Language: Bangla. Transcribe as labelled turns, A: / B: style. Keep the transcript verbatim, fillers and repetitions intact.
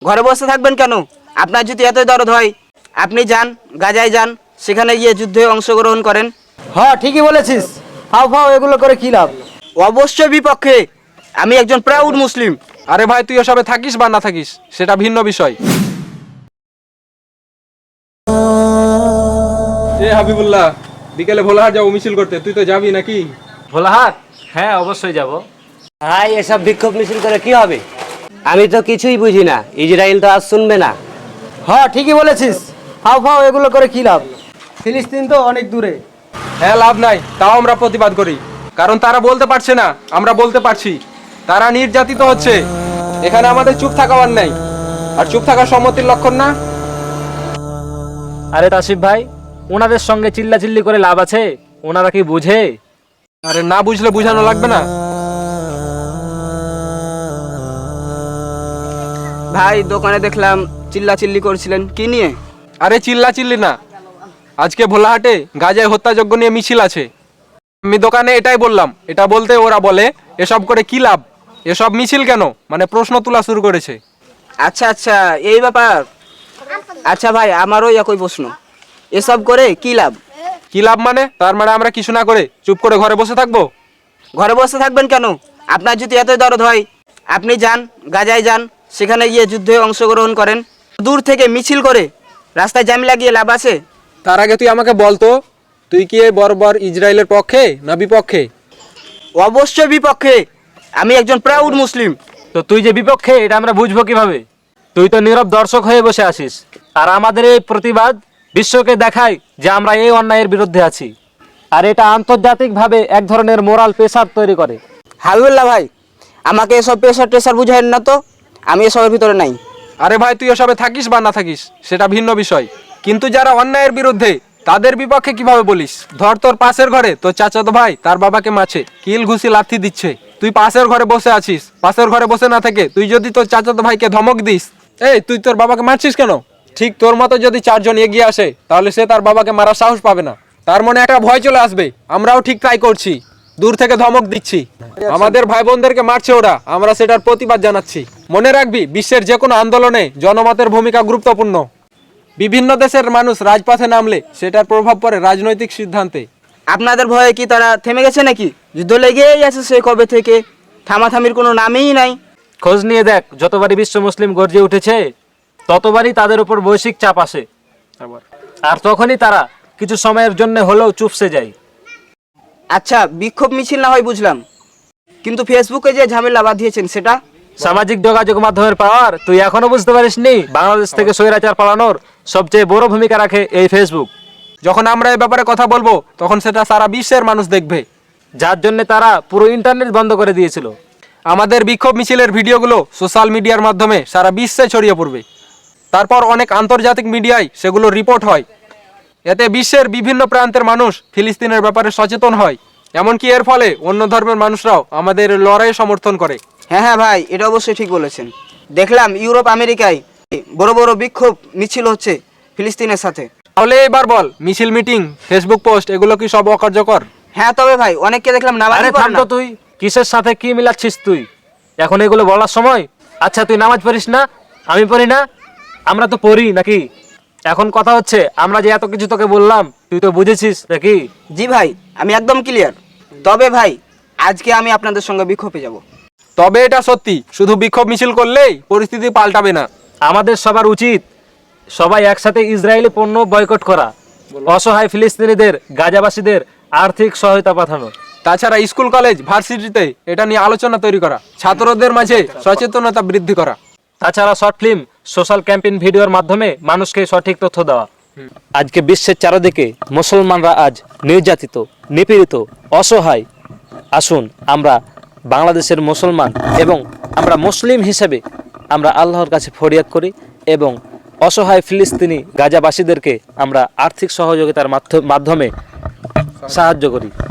A: ঘরে বসে থাকবেন কেন? আপনার যদি এতই দরদ হয় আপনি যান, গাজায় যান, সেখানে গিয়ে যুদ্ধে অংশগ্রহণ করেন।
B: হ্যাঁ ঠিকই বলেছিস। হাও ফাও এগুলো করে কি লাভ?
A: অবশ্যই বিপক্ষে। আমি একজন প্রাউড মুসলিম।
C: আরে ভাই, তুই এসবে থাকিস বা না থাকিস সেটা ভিন্ন বিষয়। এ হাবিবুল্লাহ, বিকেলে ভোলাহাট যাবো মিছিল করতে, তুই তো যাবি নাকি?
D: ভোলাহাট? হ্যাঁ, অবশ্যই যাব।
B: ভাই এসব বিক্ষোভ মিছিল করে কি হবে? আমি তো কিছুই বুঝি না, ইসরায়েল তো আজ শুনবে না। হ্যাঁ ঠিকই বলেছিস। হাও ফাও এগুলো করে কি লাভ? ফিলিস্তিন তো অনেক দূরে।
C: হ্যাঁ, লাভ নাই, তাও আমরা প্রতিবাদ করি, কারণ তারা বলতে পারছে না, আমরা বলতে পারছি। তারা নির্যাতিত হচ্ছে, এখানে আমাদের চুপ থাকার নাই। আর চুপ থাকার সম্মতির লক্ষণ না।
D: আরে তাসিফ ভাই, ওনাদের সঙ্গে চিল্লাচিল্লি করে লাভ আছে? ওনারা কি বুঝে?
C: আরে না বুঝলে বুঝানো লাগবে না।
A: ভাই দোকানে দেখলাম চিল্লা চিল্লি করছিলেন, কি নিয়ে?
C: আরে চিল্লা চিল্লি না, আজকে ভোলাহাটে গাজায় হত্যাযজ্ঞ নিয়ে মিছিল আছে। আমি দোকানে এটাই বললাম, এটা বলতে ওরা বলে এসব করে কি লাভ, এসব মিছিল কেন, মানে প্রশ্ন তোলা শুরু করেছে।
A: আচ্ছা আচ্ছা, এই ব্যাপার। আচ্ছা ভাই, আমারও একই প্রশ্ন, এসব করে কি লাভ?
C: কি লাভ মানে? তার মানে আমরা কিছু না করে চুপ করে ঘরে বসে থাকবো?
A: ঘরে বসে থাকবেন কেন? আপনার যদি এতই দরদ হয় আপনি যান, গাজায় যান, সেখানে গিয়ে যুদ্ধে অংশগ্রহণ করেন। দূর থেকে মিছিল করে রাস্তায় জাম লাগিয়ে লাভ আছে?
C: তার আগে তুই আমাকে বলতো, তুই কি এই বর্বর ইসরায়েলের পক্ষে না বিপক্ষে?
A: অবশ্যই বিপক্ষে। আমি একজন প্রাউড মুসলিম।
D: তো তুই যে বিপক্ষে, এটা আমরা বুঝবো কিভাবে? তুই তো নীরব দর্শক হয়ে বসে আছিস, আর আমাদের এই প্রতিবাদ বিশ্বকে দেখায় যে আমরা এই অন্যায়ের বিরুদ্ধে আছি। আর এটা আন্তর্জাতিকভাবে এক ধরনের মোরাল প্রেসার তৈরি করে।
A: হাবিবুল্লাহ ভাই, আমাকে এসব প্রেশার টেশার বুঝায়েন না তো, আমি এসবের ভিতরে নাই।
C: আরে ভাই, তুই এসবে থাকিস বা না থাকিস সেটা ভিন্ন বিষয়, কিন্তু যারা অন্যায়ের বিরুদ্ধে তাদের বিপক্ষে কিভাবে বলিস? ধর, তোর পাশের ঘরে তোর চাচাতো ভাই তার বাবাকে মাছে কিল ঘুষি লাথি দিচ্ছে, তুই পাশের ঘরে বসে আছিস। পাশের ঘরে বসে না থেকে তুই যদি তোর চাচাতো ভাইকে ধমক দিস, এই তুই তোর বাবাকে মারছিস কেন, ঠিক তোর মতো যদি চারজন এগিয়ে আসে তাহলে সে তার বাবাকে মারার সাহস পাবে না। তার মনে একটা ভয় চলে আসবে, আমরাও ঠিক ট্রাই করছি, দূর থেকে ধমক দিচ্ছি, আমাদের ভাই বোনদেরকে মারছে ওরা, আমরা সেটার প্রতিবাদ জানাচ্ছি। মনে রাখবি, বিশ্বের যে কোনো আন্দোলনে জনমতের ভূমিকা গুরুত্বপূর্ণ। বিভিন্ন দেশের মানুষ রাজপথে নামলে সেটার প্রভাব পড়ে রাজনৈতিক সিদ্ধান্তে।
A: আপনাদের ভয়ে কি তারা থেমে গেছে নাকি? যুদ্ধ লেগেই আছে সে কবে থেকে, থামাথামির কোনো নামই নাই।
D: খোঁজ নিয়ে দেখ, যতবারই বিশ্ব মুসলিম গর্জে উঠেছে ততবারই তাদের উপর বৈশ্বিক চাপ আসে, আর তখনই তারা কিছু সময়ের জন্য হলেও চুপসে যায়।
A: আচ্ছা, বিক্ষোভ মিছিল না হয় বুঝলাম, কিন্তু ফেসবুকে যে ঝামেলা বাঁধিয়েছেন সেটা?
D: সামাজিক যোগাযোগ মাধ্যমের পাওয়ার তুই এখনো বুঝতে পারিসনি? বাংলাদেশ থেকে স্বৈরাচার পালানোর সবচেয়ে বড় ভূমিকা রাখে এই ফেসবুক।
C: যখন আমরা এই ব্যাপারে কথা বলবো তখন সেটা সারা বিশ্বের মানুষ দেখবে,
D: যার জন্য তারা পুরো ইন্টারনেট বন্ধ করে দিয়েছিল।
C: আমাদের বিক্ষোভ মিছিলের ভিডিওগুলো সোশ্যাল মিডিয়ার মাধ্যমে সারা বিশ্বে ছড়িয়ে পড়বে, তারপর অনেক আন্তর্জাতিক মিডিয়ায় সেগুলো রিপোর্ট হয়। এতে বিশ্বের বিভিন্ন প্রান্তের মানুষ ফিলিস্তিনের ব্যাপারে সচেতন হয়, এমনকি এর ফলে অন্য ধর্মের মানুষরাও আমাদের লড়াই সমর্থন করে।
A: হ্যাঁ হ্যাঁ ভাই, এটা অবশ্যই ঠিক বলেছেন। দেখলাম ইউরোপ আমেরিকায় বড় বড় বিক্ষোভ মিছিল হচ্ছে ফিলিস্তিনের সাথে।
C: তাহলে এবার বল, মিছিল, মিটিং, ফেসবুক পোস্ট এগুলো কি সব অকার্যকর?
A: হ্যাঁ তবে ভাই, অনেককে দেখলাম
D: আরে
A: নামাজই পড়ে
D: থাম
A: না।
D: তো, তুই কিসের সাথে কি মিলাচ্ছিস তুই? এখন এগুলো বলার সময়? আচ্ছা, তুই নামাজ পড়িস না, আমি পড়ি না, আমরা তো পড়ি নাকি? এখন কথা হচ্ছে, আমরা যে এত কিছু তোকে বললাম তুই তো বুঝেছিস নাকি?
A: জি ভাই, আমি একদম ক্লিয়ার। তবে ভাই, আজকে আমি আপনাদের সঙ্গে বিক্ষোভে যাব।
C: তবে এটা সত্যি, শুধু বিক্ষোভ মিছিল করলেই পরিস্থিতি পাল্টাবে না।
D: আমাদের সবার উচিত সবাই একসাথে ইসরায়েলি পণ্য বয়কট করা, অসহায় ফিলিস্তিনিদের, গাজাবাসীদের আর্থিক সহায়তা পাঠানো।
C: তাছাড়া স্কুল, কলেজ, ভার্সিটিতে এটা নিয়ে আলোচনা তৈরি করা, ছাত্রদের মাঝে সচেতনতা বৃদ্ধি করা।
D: তাছাড়া শর্ট ফিল্ম, সোশ্যাল ক্যাম্পেইন ভিডিওর মাধ্যমে মানুষকে সঠিক তথ্য দেওয়া। আজকে বিশ্বের চারদিকে মুসলমানরা আজ নির্যাতিত, নিপীড়িত, অসহায়। আসুন আমরা বাংলাদেশের মুসলমান এবং আমরা মুসলিম হিসেবে আমরা আল্লাহর কাছে ফরিয়াদ করি এবং অসহায় ফিলিস্তিনি গাজাবাসীদেরকে আমরা আর্থিক সহযোগিতার মাধ্যমে সাহায্য করি।